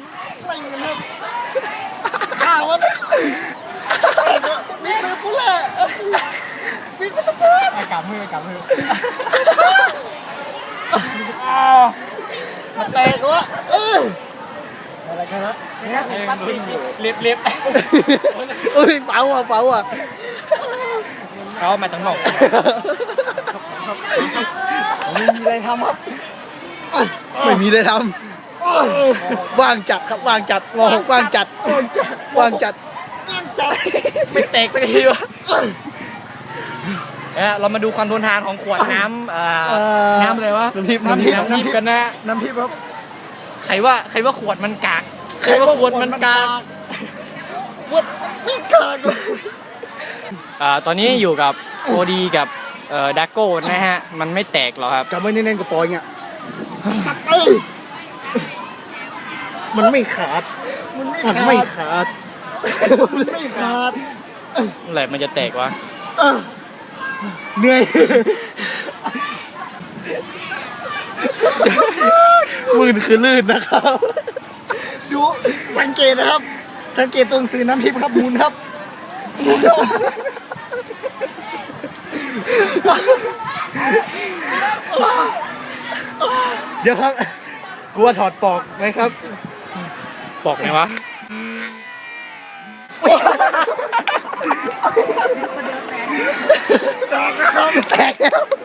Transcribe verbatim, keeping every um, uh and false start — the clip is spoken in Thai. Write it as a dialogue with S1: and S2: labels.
S1: ไม่เงินครับข่าวว่านี่คือผู้เล่นวิ่งไปตะโกนไอ้กำมือไอ้กำมือมาเตะกูวะเอออะไรกันวะเนี่ยเล็บเล็บเอ้ยเป๋าอ่ะเป๋าอ่ะเขามาจากนอกไม่มีอะไรทำครับไม่มีอะไรทำว่างจัดครับว่างจัดมองว่างจัดว่างจัดว่างจัดไม่แตกสักทีวะ
S2: เรามาดูความทนทานของขวดน้ำน้ำอะไรวะ
S1: น้ำทิพย์
S2: น้ำทิพย์น้ำทิพย์กันนะ
S1: น้ำทิพย์ครับ
S2: ใครว่าใครว่าขวดมันกากใครว่าขวดมันกาก
S1: ขวดไม่กาก
S2: ตอนนี้อยู่กับโอดีกับดักโก้นะฮะมันไม่แตกหรอกครับ
S1: จำไว้แน่นๆกับปอยเงี้ยมันไม่ขาดมันไม่ขาดมันไม่ขาด
S2: เมื่อไหร่มันจะแตกวะ
S1: เหนื่อยมืนคือลื่นนะครับดูสังเกตนะครับสังเกตตรงสื่อน้ำทิพย์ครับมูลครับเดี๋ยวครับกลัวถอดปอกไหมครับ
S2: ปอกไหมวะ
S1: แตกแล้วแตกแล้ว